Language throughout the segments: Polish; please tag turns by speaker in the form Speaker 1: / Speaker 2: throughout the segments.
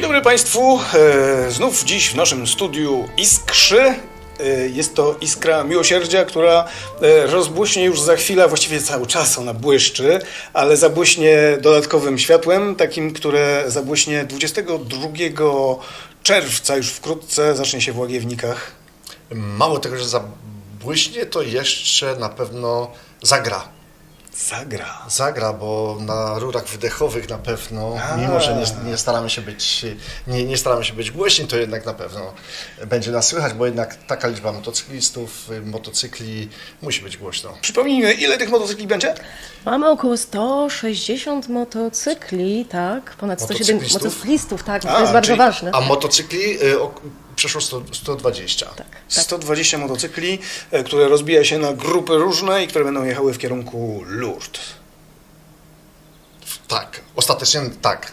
Speaker 1: dobry Państwu, znów dziś w naszym studiu Iskrzy. Jest to iskra miłosierdzia, która rozbłyśnie już za chwilę, właściwie cały czas ona błyszczy, ale zabłyśnie dodatkowym światłem, takim, które zabłyśnie 22 czerwca, już wkrótce zacznie się w Łagiewnikach.
Speaker 2: Mało tego, że zabłyśnie, to jeszcze na pewno zagra. Zagra, bo na rurach wydechowych na pewno, mimo że nie staramy się być głośni, to jednak na pewno będzie nas słychać, bo jednak taka liczba motocyklistów, motocykli musi być głośno.
Speaker 1: Przypomnijmy, ile tych motocykli będzie?
Speaker 3: Mamy około 160 motocykli, tak, ponad 170 motocyklistów, tak, to jest bardzo ważne.
Speaker 2: A motocykli przeszło 120.
Speaker 3: Tak.
Speaker 1: 120 motocykli, które rozbija się na grupy różne i które będą jechały w kierunku Lourdes.
Speaker 2: Tak, ostatecznie tak.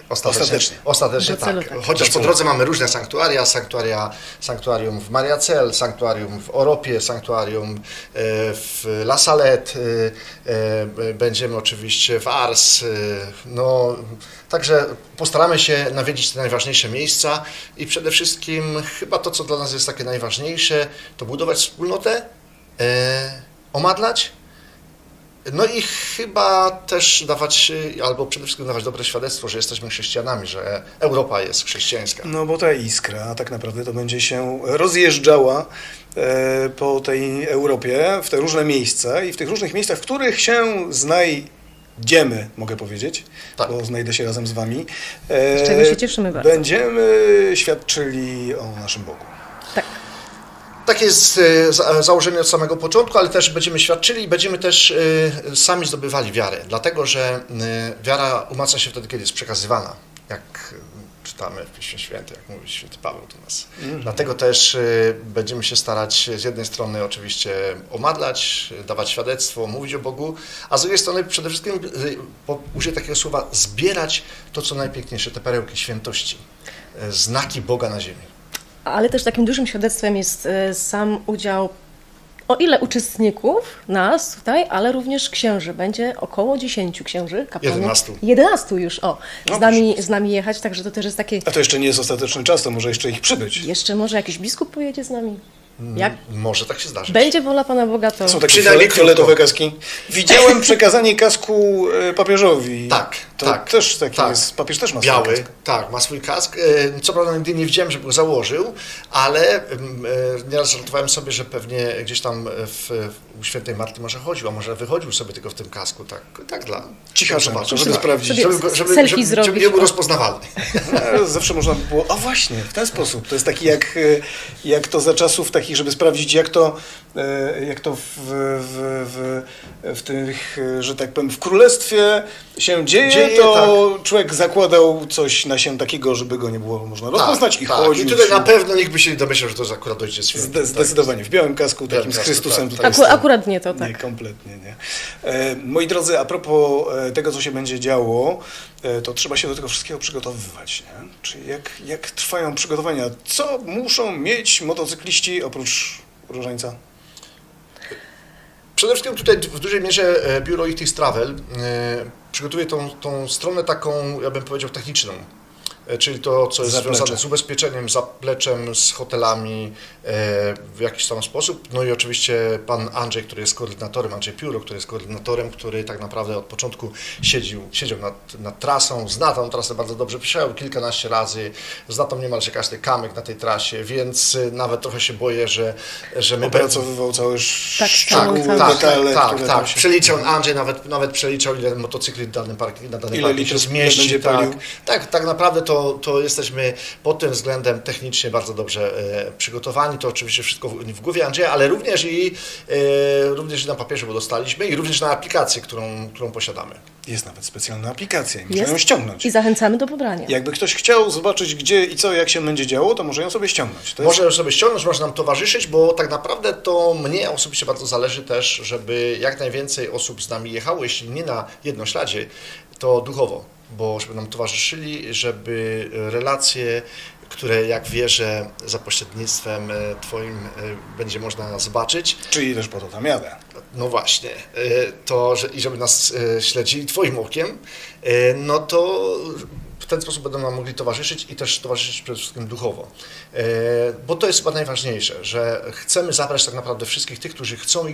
Speaker 3: Tak.
Speaker 2: Chociaż po drodze mamy różne sanktuaria, sanktuarium w Mariacel, sanktuarium w Oropie, sanktuarium w La Salette, będziemy oczywiście w Ars. No, także postaramy się nawiedzić te najważniejsze miejsca i przede wszystkim chyba to, co dla nas jest takie najważniejsze, to budować wspólnotę, omadlać. No i chyba też dawać, albo przede wszystkim dawać dobre świadectwo, że jesteśmy chrześcijanami, że Europa jest chrześcijańska.
Speaker 1: No bo ta iskra tak naprawdę to będzie się rozjeżdżała po tej Europie, w te różne miejsca i w tych różnych miejscach, w których się znajdziemy, mogę powiedzieć, tak, bo znajdę się razem z Wami.
Speaker 3: Z czego się cieszymy bardzo.
Speaker 1: Będziemy świadczyli o naszym Bogu.
Speaker 3: Tak.
Speaker 2: Takie jest założenie od samego początku, ale też będziemy świadczyli i będziemy też sami zdobywali wiarę, dlatego że wiara umacnia się wtedy, kiedy jest przekazywana, jak czytamy w Piśmie Świętym, jak mówi święty Paweł do nas. Dlatego też będziemy się starać z jednej strony oczywiście omadlać, dawać świadectwo, mówić o Bogu, a z drugiej strony przede wszystkim, użyję takiego słowa, zbierać to, co najpiękniejsze, te perełki świętości, znaki Boga na ziemi.
Speaker 3: Ale też takim dużym świadectwem jest sam udział, o ile uczestników nas tutaj, ale również księży. Będzie około 10 księży, kapłanów. 11 już, z nami jechać, także to też jest takie...
Speaker 1: A to jeszcze nie jest ostateczny czas, to może jeszcze ich przybyć.
Speaker 3: Jeszcze może jakiś biskup pojedzie z nami. Jak
Speaker 2: może tak się zdarzyć.
Speaker 3: będzie wola Pana Boga, to...
Speaker 1: Są takie fioletowe kaski. Widziałem przekazanie kasku papieżowi.
Speaker 2: Tak.
Speaker 1: Też taki jest. Papież też ma swój
Speaker 2: biały,
Speaker 1: kask.
Speaker 2: tak, ma swój kask. Co prawda nigdy nie widziałem, żeby go założył, ale nieraz żartowałem sobie, że pewnie gdzieś tam u świętej Marty może chodził, a może wychodził sobie tylko w tym kasku, tak dla...
Speaker 1: Cichasza, żeby sprawdzić.
Speaker 2: Żeby nie był rozpoznawalny.
Speaker 1: Zawsze można by było, a właśnie, w ten sposób. To jest taki jak to za czasów takich, żeby sprawdzić, jak to w tych, że tak powiem, w królestwie się dzieje, to tak. Człowiek zakładał coś na się takiego, żeby go nie było można rozpoznać i chodził.
Speaker 2: I tutaj na pewno nikt by się nie domyślał, że to jest akurat Ojciec Święty.
Speaker 1: Zdecydowanie, w białym kasku, takim z Chrystusem.
Speaker 3: Tak. Akurat nie to, tak.
Speaker 1: Nie, kompletnie nie. Moi drodzy, a propos tego, co się będzie działo, to trzeba się do tego wszystkiego przygotowywać, nie? Czyli jak trwają przygotowania? Co muszą mieć motocykliści oprócz różańca?
Speaker 2: Przede wszystkim tutaj w dużej mierze biuro Ichthys Travel przygotuje tą stronę taką, ja bym powiedział, techniczną. Czyli to, co jest związane z ubezpieczeniem, zapleczem, z hotelami w jakiś tam sposób. No i oczywiście pan Andrzej, który jest koordynatorem, Andrzej Pióro, który jest koordynatorem, który tak naprawdę od początku siedział nad trasą, zna tą trasę bardzo dobrze, przyjechał kilkanaście razy, zna tam niemalże każdy kamyk na tej trasie, więc nawet trochę się boję, że my...
Speaker 1: Opracowywał całe
Speaker 2: detale, tak. Przeliczał, Andrzej nawet przeliczał, ile motocykli na danym parkingu się zmieści. Tak naprawdę to jesteśmy pod tym względem technicznie bardzo dobrze przygotowani. To oczywiście wszystko w głowie Andrzeja, ale również i na papierze, bo dostaliśmy, i również na aplikację, którą posiadamy.
Speaker 1: Jest nawet specjalna aplikacja i można ją ściągnąć.
Speaker 3: I zachęcamy do pobrania.
Speaker 1: Jakby ktoś chciał zobaczyć, gdzie i co, jak się będzie działo, to może ją sobie ściągnąć.
Speaker 2: Może ją sobie ściągnąć, może nam towarzyszyć, bo tak naprawdę to mnie osobiście bardzo zależy też, żeby jak najwięcej osób z nami jechało, jeśli nie na jednośladzie, to duchowo, bo żeby nam towarzyszyli, żeby relacje, które jak wierzę za pośrednictwem Twoim będzie można zobaczyć.
Speaker 1: Czyli też po to tam jadę.
Speaker 2: No właśnie, i żeby nas śledzili Twoim okiem, no to w ten sposób będą nam mogli towarzyszyć i też towarzyszyć przede wszystkim duchowo. Bo to jest chyba najważniejsze, że chcemy zabrać tak naprawdę wszystkich tych, którzy chcą i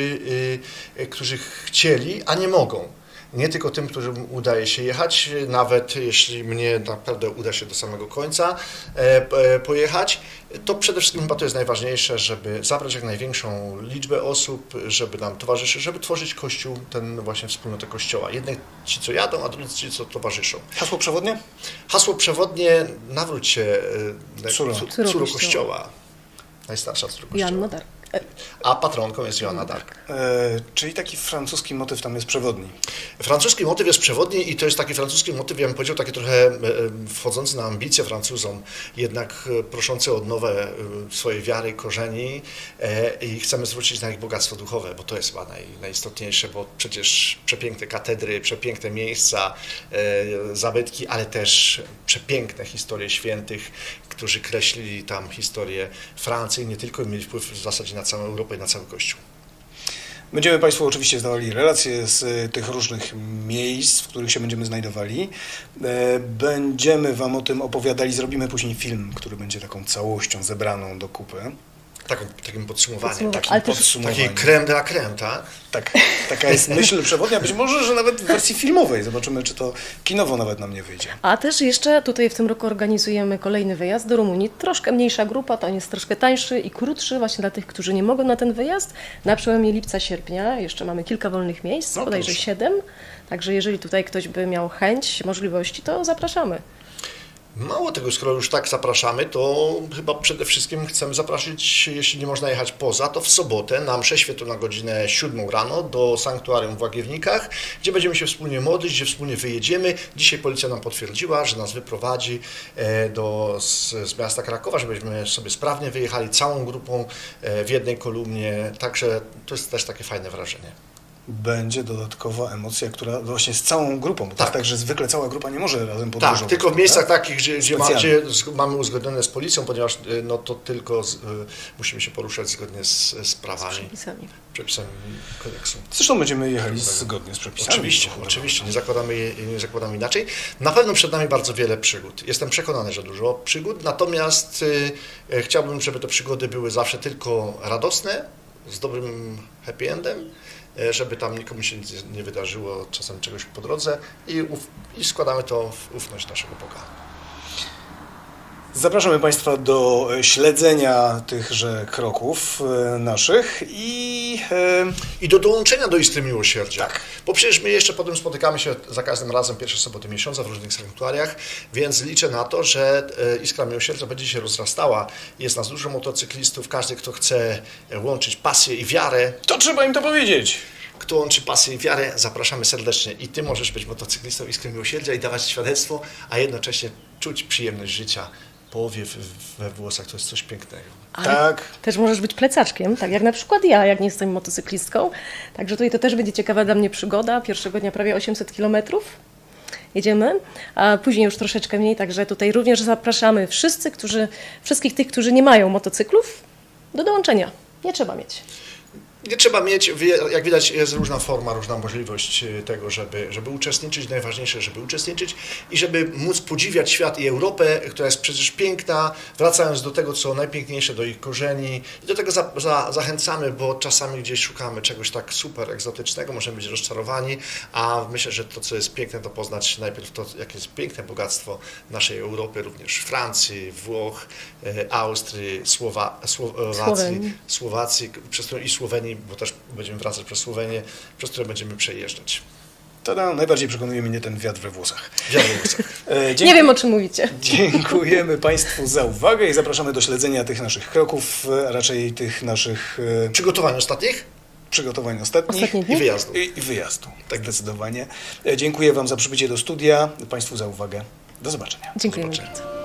Speaker 2: którzy chcieli, a nie mogą. Nie tylko tym, którym udaje się jechać, nawet jeśli mnie naprawdę uda się do samego końca pojechać, to przede wszystkim chyba to jest najważniejsze, żeby zabrać jak największą liczbę osób, żeby nam towarzyszyć, żeby tworzyć Kościół, ten właśnie wspólnotę Kościoła. Jednych ci, co jadą, a drudzy ci, co towarzyszą.
Speaker 1: Hasło przewodnie?
Speaker 2: Hasło przewodnie, nawróć się,
Speaker 3: Córo
Speaker 2: Kościoła. Najstarsza córa Kościoła.
Speaker 3: Joanna Dark.
Speaker 2: A patronką jest Joanna Dark.
Speaker 1: Czyli taki francuski motyw tam jest przewodni.
Speaker 2: Francuski motyw jest przewodni i to jest taki francuski motyw, ja bym powiedział, taki trochę wchodzący na ambicje Francuzom, jednak proszący o odnowę swojej wiary, korzeni i chcemy zwrócić na ich bogactwo duchowe, bo to jest chyba najistotniejsze, bo przecież przepiękne katedry, przepiękne miejsca, zabytki, ale też przepiękne historie świętych, którzy kreślili tam historię Francji, nie tylko mieli wpływ w zasadzie na całą Europę i na cały Kościół.
Speaker 1: Będziemy Państwu oczywiście zdawali relacje z tych różnych miejsc, w których się będziemy znajdowali. Będziemy Wam o tym opowiadali, zrobimy później film, który będzie taką całością zebraną do kupy.
Speaker 2: Takim podsumowaniem,
Speaker 3: Ale też-
Speaker 2: takiej crème de la crème, tak?
Speaker 1: Tak, taka jest myśl przewodnia, być może, że nawet w wersji filmowej. Zobaczymy, czy to kinowo nawet nam nie wyjdzie.
Speaker 3: A też jeszcze tutaj w tym roku organizujemy kolejny wyjazd do Rumunii. Troszkę mniejsza grupa, to on jest troszkę tańszy i krótszy właśnie dla tych, którzy nie mogą na ten wyjazd. Na przełomie lipca, sierpnia jeszcze mamy kilka wolnych miejsc,
Speaker 1: No
Speaker 3: bodajże
Speaker 1: proszę.
Speaker 3: 7. Także jeżeli tutaj ktoś by miał chęć, możliwości, to zapraszamy.
Speaker 2: Mało tego, skoro już tak zapraszamy, to chyba przede wszystkim chcemy zaprosić, jeśli nie można jechać poza, to w sobotę na mszę świętą na godzinę 7 rano do sanktuarium w Łagiewnikach, gdzie będziemy się wspólnie modlić, gdzie wspólnie wyjedziemy. Dzisiaj policja nam potwierdziła, że nas wyprowadzi z miasta Krakowa, żebyśmy sobie sprawnie wyjechali całą grupą w jednej kolumnie, także to jest też takie fajne wrażenie.
Speaker 1: Będzie dodatkowa emocja, która właśnie z całą grupą, bo to
Speaker 2: Tak.
Speaker 1: jest tak, że zwykle cała grupa nie może razem podróżować.
Speaker 2: Tak, tylko w miejscach takich, gdzie
Speaker 1: Specjalnie.
Speaker 2: mamy uzgodnione z policją, ponieważ no, to tylko musimy się poruszać zgodnie z prawami,
Speaker 3: Pisami.
Speaker 2: przepisami kodeksu.
Speaker 1: Zresztą będziemy jechali zgodnie z przepisami.
Speaker 2: Oczywiście, nie zakładamy inaczej. Na pewno przed nami bardzo wiele przygód. Jestem przekonany, że dużo przygód, natomiast chciałbym, żeby te przygody były zawsze tylko radosne, z dobrym happy endem, żeby tam nikomu się nic nie wydarzyło, czasem czegoś po drodze i składamy to w ufność naszego Boga.
Speaker 1: Zapraszamy Państwa do śledzenia tychże kroków naszych
Speaker 2: I do dołączenia do Iskry Miłosierdzia.
Speaker 1: Tak.
Speaker 2: Bo przecież my jeszcze potem spotykamy się za każdym razem pierwsze soboty miesiąca w różnych sanktuariach, więc liczę na to, że Iskra Miłosierdzia będzie się rozrastała. Jest nas dużo motocyklistów, każdy, kto chce łączyć pasję i wiarę,
Speaker 1: to trzeba im to powiedzieć.
Speaker 2: kto łączy pasję i wiarę, zapraszamy serdecznie. I Ty możesz być motocyklistą Iskry Miłosierdzia i dawać świadectwo, a jednocześnie czuć przyjemność życia. Powiew we włosach to jest coś pięknego.
Speaker 3: Ale
Speaker 1: Tak.
Speaker 3: też możesz być plecaczkiem, tak jak na przykład ja, jak nie jestem motocyklistką. Także tutaj to też będzie ciekawa dla mnie przygoda. Pierwszego dnia prawie 800 kilometrów jedziemy, a później już troszeczkę mniej. Także tutaj również zapraszamy wszystkich tych, którzy nie mają motocyklów, do dołączenia. Nie trzeba mieć.
Speaker 2: Nie trzeba mieć, jak widać, jest różna forma, różna możliwość tego, żeby uczestniczyć. Najważniejsze, żeby uczestniczyć i żeby móc podziwiać świat i Europę, która jest przecież piękna, wracając do tego, co najpiękniejsze, do ich korzeni. I do tego zachęcamy, bo czasami gdzieś szukamy czegoś tak super egzotycznego, możemy być rozczarowani, a myślę, że to, co jest piękne, to poznać najpierw to, jakie jest piękne bogactwo naszej Europy, również Francji, Włoch, Austrii, Słowacji, i Słowenii, bo też będziemy wracać przez Słowenię, przez które będziemy przejeżdżać.
Speaker 1: To najbardziej przekonuje mnie ten wiatr we włosach.
Speaker 2: Wiatr we włosach.
Speaker 3: Nie wiem, o czym mówicie.
Speaker 1: Dziękujemy Państwu za uwagę i zapraszamy do śledzenia tych naszych kroków, a raczej tych naszych
Speaker 2: Przygotowań ostatnich
Speaker 1: przygotowań ostatnich
Speaker 3: Ostatnie dni?
Speaker 2: i wyjazdu.
Speaker 1: i wyjazdu. Tak zdecydowanie. Dziękuję Wam za przybycie do studia, Państwu za uwagę. Do zobaczenia.
Speaker 3: Dziękujemy
Speaker 2: Zobaczenia.
Speaker 3: bardzo.